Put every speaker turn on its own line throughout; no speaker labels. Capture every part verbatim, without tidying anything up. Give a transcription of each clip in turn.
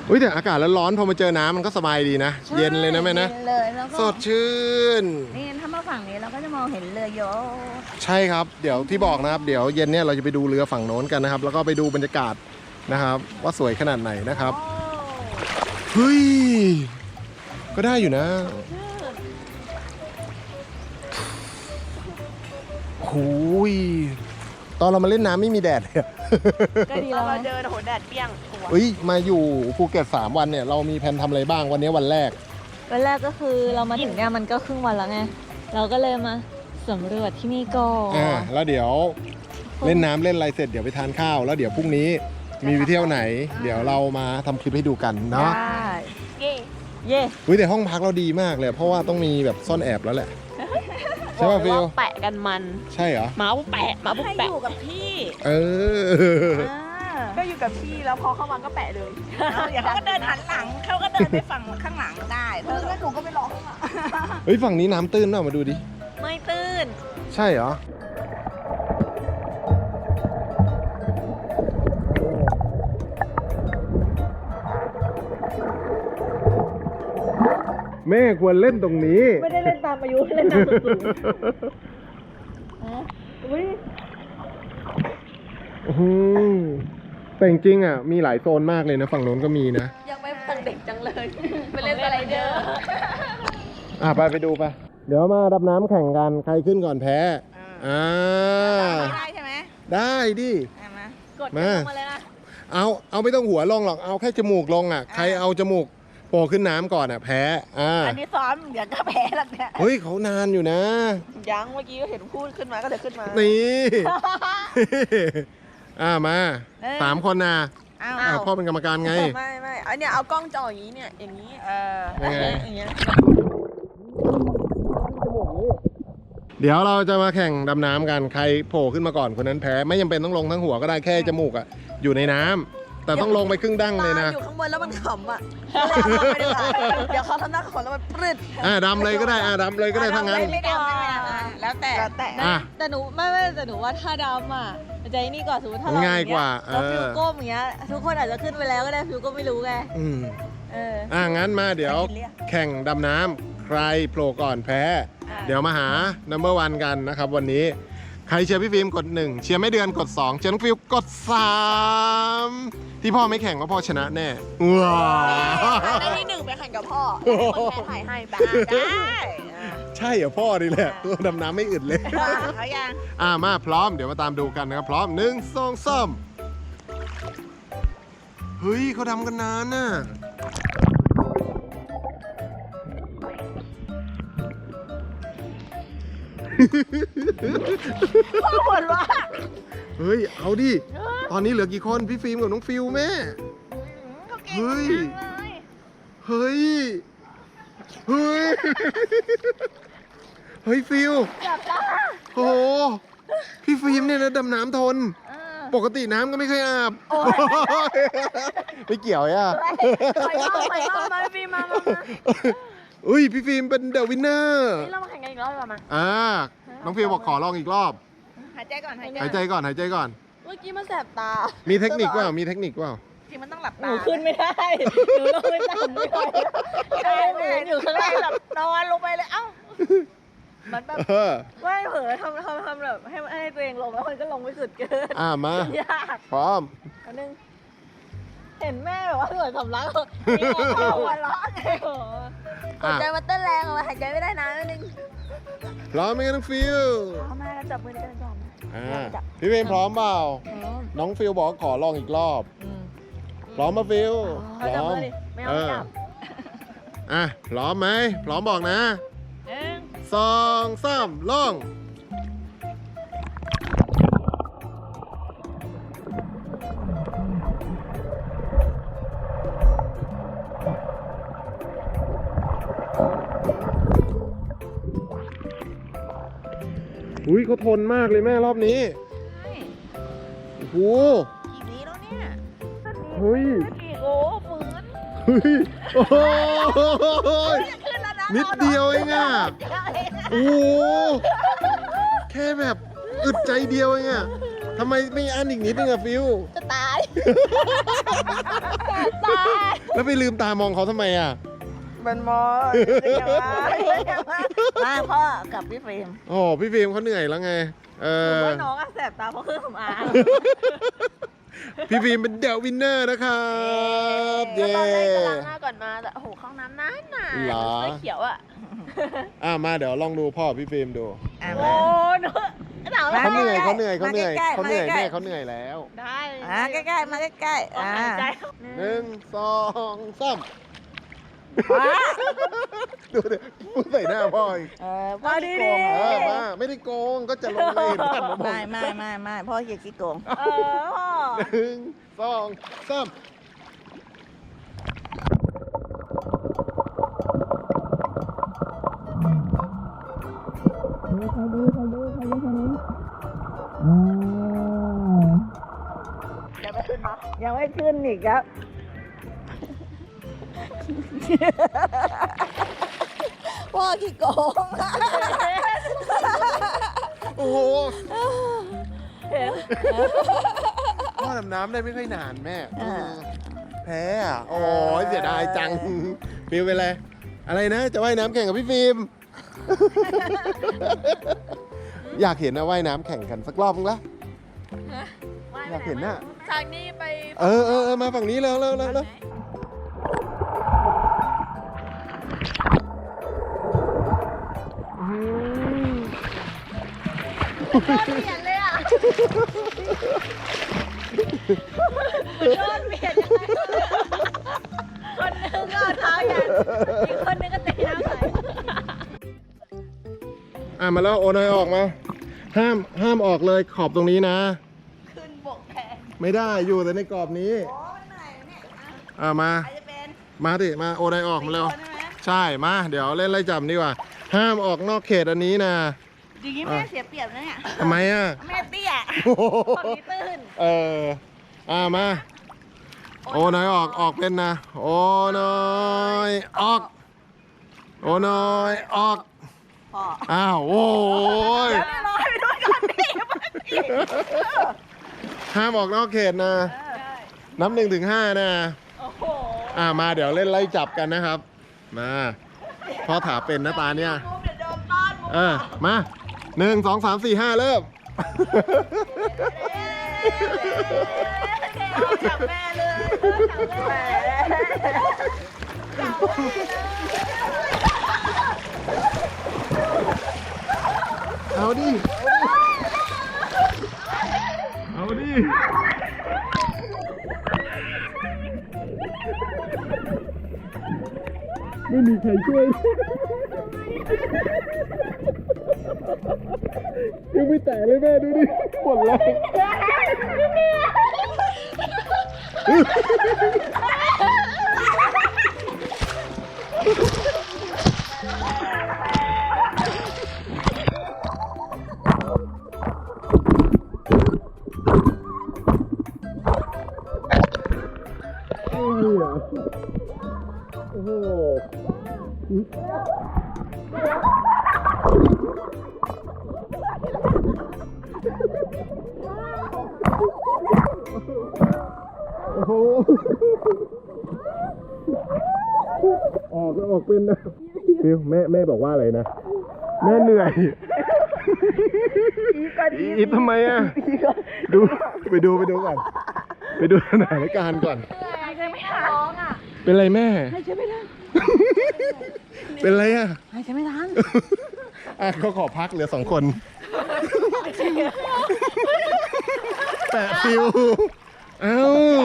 อุ้ยแต่อากาศร้อนๆพอมาเจอน้ำมันก็สบายดีนะเย็นเลยนะแม่นะสดชื่น
นี่ถ้ามาฝั่งนี้เราก็จะมองเห็นเรือโย
ใช่ครับเดี๋ยวที่บอกนะครับเดี๋ยวเย็นเนี่ยเราจะไปดูเรือฝั่งโน้นกันนะครับแล้วก็ไปดูบรรยากาศนะครับว่าสวยขนาดไหนนะครับเฮ้ยก็ได้อยู่นะโอ้ยตอนเรามาเล่นน้ำไม่มีแดดเลย
ก็ดีเราเดินโหแดดเปรี้ยง
เฮ้ยมาอยู่ภูเก็ตสามวันเนี่ยเรามีแผนทำอะไรบ้างวันนี้วันแรก
วันแรกก็คือเรามาถึงเนี่ยมันก็ครึ่งวันแล้วไงเราก็เลยมาสำรวจที่นี่ก่อน
อ่าแล้วเดี๋ยวเล่นน้ำเล่นอะไรเสร็จเดี๋ยวไปทานข้าวแล้วเดี๋ยวพรุ่งนี้มีไปเที่ยวไหนเดี๋ยวเรามาทำคลิปให้ดูกันเนาะ
เย่เย่
อุ้ยแต่ห้องพักเราดีมากเลยเพราะว่าต้องมีแบบซ่อนแอบแล้วแหละใช่ป่ะฟิล
แปะกันมัน
ใช่เหรอ
หมาปุ๊บแปะหมาปุ๊บแปะอยู่กับพี่
เออ
ก็อยู่กับพี่แล้วพอเข้ามาก็แปะเลยอย่างเขาก็เดินหันหลังเขาก็เดินไปฝั่งข้างหลังได้เธอแล้วหนูก็ไปรอข้างหลัง
เฮ้ยฝั่งนี้น้ำตื้นเปล่ามาดูดิ
ไม่ตื้น
ใช่เหรอแม่ควรเล่นตรงนี้
ไม่ได้เล่นตามอายุเล่นตามสูงอุ้ย
แต่จริงๆอ่ะมีหลายโซนมากเลยนะฝั่งโน้นก็มีนะ
ยังไม่ตั้งเด็กจังเลยไปเล่นสไลเดอร์
อ่ะไปไปดูไปเดี๋ยวมาดับน้ำแข่งกันใครขึ้นก่อนแพ้อ่า
ได้ใช่ไหม
ได้ดิ
มากดลงมาเลยนะ
เอาเอาไม่ต้องหัวลงหรอกเอาแค่จมูกลงอ่ะใครเอาจมูกโผล่ขึ้นน้ำก่อนอ่ะแพ้อ่า
อันนี้ซ้อมเดี๋ยวก็แพ้แล้วเนี่ย
เฮ้ยเขานานอยู่นะ
ยังเมื่อกี้ก็เห็นพูดขึ้นมาก็เลยขึ้นมา
นี่อ่ามาสามคนนะอ้าวพ่อเป็นกรรมการไง
ไม่ไม่อันเนี้ยเอากล้องจ่ออย่างนี้เนี่ยอย่างนี้เอออย่างเงี้ย
เดี๋ยวเราจะมาแข่งดำน้ำกันใครโผล่ขึ้นมาก่อนคนนั้นแพ้ไม่จำเป็นต้องลงทั้งหัวก็ได้แค่จมูกอ่ะอยู่ในน้ำแต่ต้องลงไปครึ่งดั้งเลยนะ
อยู่ข้างบนแล้วมันขำอ่ะเดี๋ยวเขาทำหน้าขำแล้วมันปรึด
อ่าดำเลยก็ได้อ่าดำเลยก็ได้ทั้งนั้น
ไม่ดำไม่ดำแล้วแต่แต่แต่หนูไม่ไม่แต่หนูว่าถ้าดำอ่ะใจนี่ก่อนสมมติถ้าเรา
ง่ายกว่า
เราฟิวก้มอย่างเงี้ยทุกคนอาจจะขึ้นไปแล้วก็ได้ฟิวก็ไม่รู้ไง
อืมเอออ่างั้นมาเดี๋ยวแข่งดำน้ำใครโผล่ก่อนแพ้เดี๋ยวมาหา นัมเบอร์วัน กันนะครับวันนี้ใครเชียร์พี่ฟิล์มกดหนึ่งเชียร์ไม่เดือนกดสองเชียร์น้องฟิล์มกดสามที่พ่อไม่แข่งว่าพ่อชนะแน่ว้าว
ได้ที่หนึ่งไปแข่งกับพ่อคนแพ้ถ่ายให้บ้างได้
ใช่เหรอพ่อนี่แหละตัวดำน้ำไม่อึดเลย
เขายัง
อ่ามาพร้อมเดี๋ยวมาตามดูกันนะครับพร้อมหนึ่งสองสามเฮ้ยเขาทำกันนานน่ะ
พ่อบ่นว่า
เฮ้ยเอาดิตอนนี้เหลือกี่คนพี่ฟิล์มกับน้องฟิวแม่เฮ้ยเฮ้ยเฮ้ยเฮ้ยฟิวโอ้โหพี่ฟิล์มเนี่ยนะดำน้ำทนปกติน้ำก็ไม่เคยอาบไม่เกี่ยวอ่ะ
ไปรอบไปรอบมาฟิล์มมา
อุ้ยพี่ฟิล์มเป็นเดอะวินเนอร์
นี่เรามาแข่งกันอีกรอบหรอมา
อ่าน้องฟิล์มบอกขอลองอีกรอบ
หายใจก่อนหายใจ
หายใจก่อนหายใจก่อน
เมื่อกี้มันแสบตา
มีเทคนิคว่ามีเทคนิคว่า
จริงมันต้องหลับตาหนูขึ้นไม่ได้หนูลงไม่ได้ไม่ได้ใช่หนูอยู่ข้างล่างแบบนอนลงไปเลยเอ้ามันแบบไม่เผลอทำทำทำแบบให้ให้ตัวเองลงแล้วมันก็ลงไม่สุดเกิน
อ่ามายากพร้อม
อันนึงเห็นแม่แบบว่าเหมือนสำลักมีหัวร้อนเลยหัวใจมันเต้นแรงอะหายใจไม่ได้นานนิดนึง
พร้อมไหมน้องฟิว
พร้อมมาแล้วจับมือกันก่อน
อ่าพี่เวนพร้อมเปล่าน้องฟิวบอกขอลองอีกรอบพร้อมมาฟิว
พร้อมไม่เอาจับ
อ่ะพร้อมไหมพร้อมบอกนะ
หนึ่ง
สองสามลงอุ้ยเขาทนมากเลยแม่รอบนี้โอ้โห
กี่นี้แล้วเนี่ย
เฮ้ย
กี่โอ้ฝืน
เฮ้ยโอ้ยนิดเดียวเองอ่ะโอ้แค่แบบอึดใจเดียวเองอ่ะทำไมไม่อันอีกนิดนึงอะฟิว
จะตายตาย
แล้วไปลืมตามองเขาทำไมอะ
มันมอมาพ่อกับพี่ฟิล์ม
โอ้พี่ฟิล์มเขาเหนื่อยแล้วไงเอ
ผม
อ
ว่าน้องอะแสบตาเพราะเครื่องสำอาง
พี่ฟิล์มเป็นเดอะวินเนอร์นะครับ
ก็
เย้
ตอนแรกจะล้างหน้าก่อนมาแต่โอ้โหเข้าห้องน้ำนานนาน
เหรอ
เสื้อเขียวอ่ะ
อ่ะมาเดี๋ยวลองดูพ่อพี่ฟิล์มดู
โอ้เนอะหนาวแล้ว
เขาเหนื่อยเขาเหนื่อยเขาเหนื่อย
มาใกล้ๆ
เขาเหนื่อย
มาใกล้ๆ
แม่เขาเหนื่อยแล้ว
ได้
อ่าใกล้ๆมาใกล้ๆ
อ่า
อ่า
ใจ
หนึ่งสองสาม
มา
ดูดิพูดใส่หน้าพ่ออีก
เออพ่อขี้โกง
เอ
เหร
อ
อ
มาไม่ได้โกงก็จะลงเลยผ่านมาบอ
ไม่
ก
ไม่ไม่ไม่พ่อเกียขี้โกง
เออพ่อ
หนึ่งสองสามอืม
ยังไม่ขึ้นมา
ยังไม่ขึ้นอีกครับพ่อขี้โกง
โอ้โห
เห็น
พ่อดำน้ำได้ไม่ค่อยนานแม่แพ้อ่ะโอ้ยเสียดายจังฟิลเป็นไรอะไรนะจะว่ายน้ำแข่งกับพี่ฟิล์ม อยากเห็นนะว่ายน้ำแข่งกันสักรอบนึงละอยากเห็นน่ะ
ทางนี้ไป
เออเออเออมาฝั่งนี้แล้วแล้วแล้วแล้ว
โดนเปลี่ยนเลยอ่ะโดนเปลี่ยนยังไงคนหนึงก็เอาเท้ายันอีกคนหนึงก็ตีน้ำใส่
อ่ะมาแล้วโอนอยออกมา ห้ามห้ามออกเลยขอบตรงนี้นะ
ขึ้นบกแทน
ไม่ได้อยู่แต่ในกรอบนี้
โอ้มันเหนื่อยเนี่ยอ่ะ
อ่ะมา
ใครจะเป็น
มาดิมาโอนอยออกมาเร็ว
คนใช่ไหม
ใช่มาเดี๋ยวเล่นไล่จับดีกว่า ห้ามออกนอกเขตอันนี้นะ
อย่างนี้แม่เสียเปรียบนะเนี่ย
ทำไมอ่ะ
แม่เตี้ย
คนนี้ตื้น
เอออ่ะมาโอนอยออกออกเป็นนะโอนอยออกโอนอยออก
พ่อ
อ้าวโอ้ย
แล้วนี่รอให้ไปด้วยก่อนดิมาสิ
ห้ามออกนอกเขตนะ นับหนึ่งถึงห้านะ
โอ้โห
อ่ามาเดี๋ยวเล่นไล่จับกันนะครับ มาพ่อถาเป็นนะตาเนี่ย
มุมเดี๋ยวโดนต้อนมุม
เออมาหนึ่งสองสามสี่ห้าเริ่ม
จับแม่เลยจับแม่
เอาดิ เอาดิ ไม่มีใครช่วยยังไม่แตะเลยแม่ดูดิหมดแล้วอะไรอ่ะโอ้โห โอ้โห ออกก็ออกเป็นนะฟิวแม่แม่บอกว่าอะไรนะ แม่เหนื่อยอีฟทำไมอ่ะ ดูไปดูไปดูก่อน ไปดูสถานการณ์ก่อน
หายใจไม่ทันร้องอ่ะ
เป็นไรแม่
หายใจไม่ทัน
เป็นไรอ่ะ
หายใจไม่ทัน
อ่ะเขาขอพักเหลือสองคน แปะฟิว เอ้า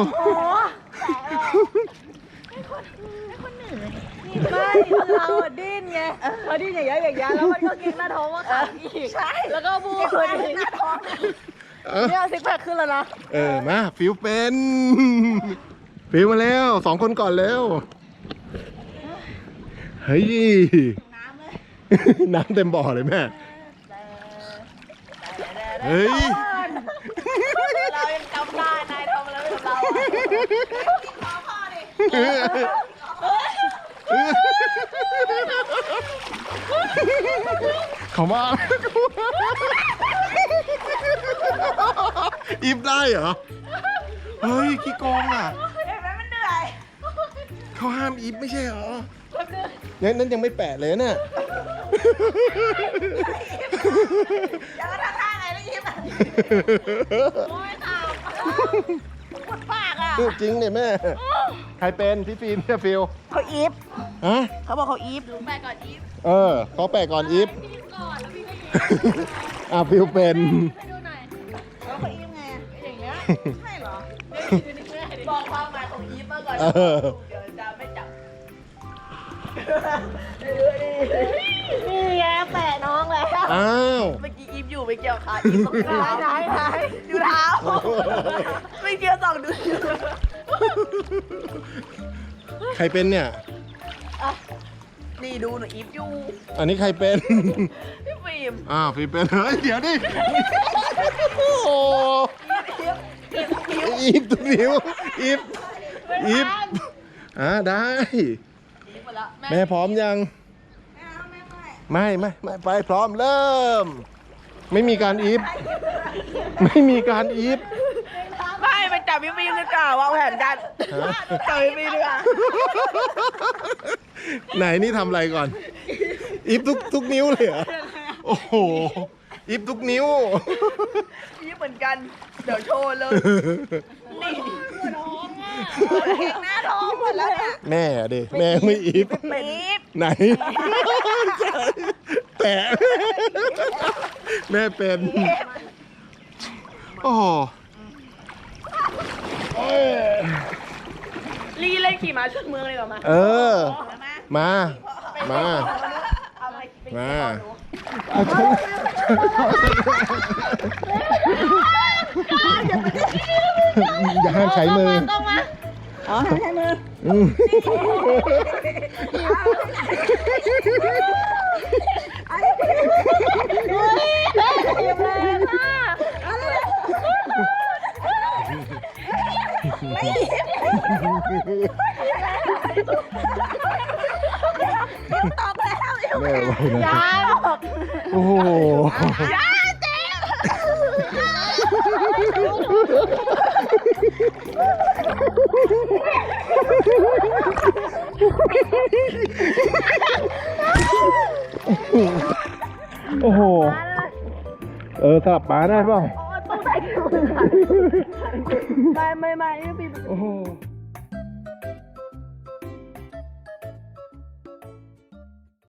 ไม่คือเราอะดิ้นไงพอดิ้นอย่างเงี้ยอย่างเงี้ยแล้วมันก็เก่งหน้าท้องมาขังอีกใช่แล้วก็บูคนหน้าท้อง
เอ้า
เนี่ยซิกแพคขึ้นแล้วนะ
เออ มา ฟิวเป็น ฟิวมาแล้วสองคนก่อนแล้ว เฮ้ย
น้ำเลย
น้ำเต็มบ่อเลยแม่ เฮ้ย
เรายังจำได้นายทำอะไรไม่กับเราอะ
พ่อดิ
เขามาอีฟได้เหรอ เฮ้ยขี้โกงอ่ะ
เห็นไหมมันเหนื่อย
เขาห้ามอีฟไม่ใช่เหรองั้นนั้นยังไม่แปะเลยน่ะ
ยังก็ทำท่าไงแล้วยิ้มอ่ะโอ้ยข่าวปวดปากอ่ะ
จริงเนี่ยแม่ ใครเป็นพี่ฟิล์มพี่ฟิล
เขาอีฟ
ฮะ
เขาบอกเขาอีฟ
แปะก่อนอีฟ
เออเขาแปะก่อนอีฟ
พี่ก่อนแล้วพี่ก็อีฟ
อ่ะฟิลเป็น
ให้ดูหน่อย
แล้วเขาอีฟไง
อย่างเงี้ย
ใช่เหรอ
บอกความหมายของอีฟมาก่อน
เออ
เดี๋ยวจะไม่จับนี่ไงแปะน้องแล้ว
อ้าว
เมื่อกี้อีฟอยู่ไม่เกี่ยวขาอีฟตรงเท้า
ไหนไหน
ดูเท้าไม่เกี่ยวสองดู
ใครเป็นเนี่ย
นี่ดูหนูอีฟอยู่
อันนี้ใครเป็น
พี่ฟิล์ม
อ้าวฟิล์มเป็นเฮ้ยเดี๋ยวดิ โอ้โห
อีฟอีฟ
อีฟตัวนิ้วอีฟอีฟอ่าได้
อีฟหมดแล้ว
แม่พร้อมยัง ไม่ไม่ไม่ไปพร้อมเริ่ม ไม่มีการอีฟไม่มีการอีฟ
ไม่ไปจับพี่ฟิล์มดีกว่าวางแผนกัน
ฮะ
จับพี่ฟิล์มดีกว่า
ไหนนี่ทำอะไรก่อน อีฟทุกทุกนิ้วเลยเหรอ โอ้โห อีฟทุกนิ้ว
อีฟเหมือนกัน เดี๋ยวโชว์เลย นี่หัวน้องอ่ะ
เก่งหน้าท้องหมดแล้วเนี่ย
แม่ดิแม่ไม่อีฟ
เป็นอีฟ
ไหน แต่แม่เป็น โอ้โหเอ้ย
ลีเล่นขี่ม้าชนเมืองเลยเหรอมา
เออ มา มา
เอาไปไป
มา
หนู
เอาฉันอย่าห้ามใช้มือ
ต้องมา
อ๋อใช้มือ
อืม
ตอบแล้ว
แม่บอกนะ
ยาบอก
โอ้โห
ยาเจ็บ
โอ้โห เออสลับป้าได้เปล่า
ต้องใส่ถุงไม่ไม่ไม่ไม่พี่
โอ้โห